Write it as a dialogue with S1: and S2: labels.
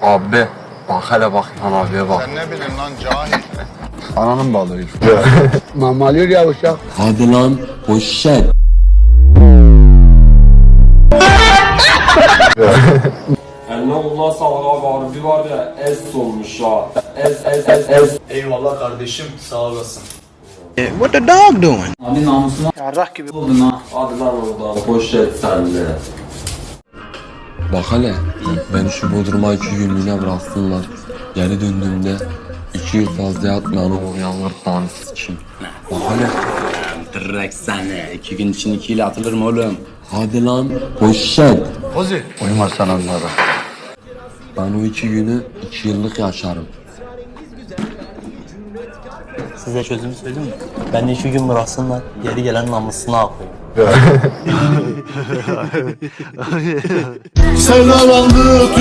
S1: Abi bak hele bak İlhan abiye bak.
S2: Sen ne bileyim lan cahil.
S1: Ananın balığı.
S3: Mamalıyor ya uşak.
S4: Hadi lan poşet.
S5: Eline koluna sağlık abi, harbi var ya es olmuş ha. Es.
S6: Eyvallah kardeşim, sağ olasın.
S5: Abi namusuna
S6: Yarrak gibi.
S5: oldun ha. Hadi lan oradan poşet senle.
S4: Bak hele beni şu Bodrum'a 2 günlüğüne bıraksınlar. Geri döndüğümde 2 yıl fazla yatmayanı uyanır tanesi için. Bak hele.
S7: Direkt seni. 2 gün için 2 ile atılır mı oğlum?
S4: Hadi lan poşet.
S1: Ozi. Uyuma sen onlara.
S4: Ben o 2 günü 2 yıllık yaşarım.
S8: Size çözümü söyleyeyim mi? Ben de 2 gün bıraksınlar, geri gelen namusuna akıyor.
S3: Sevdalandı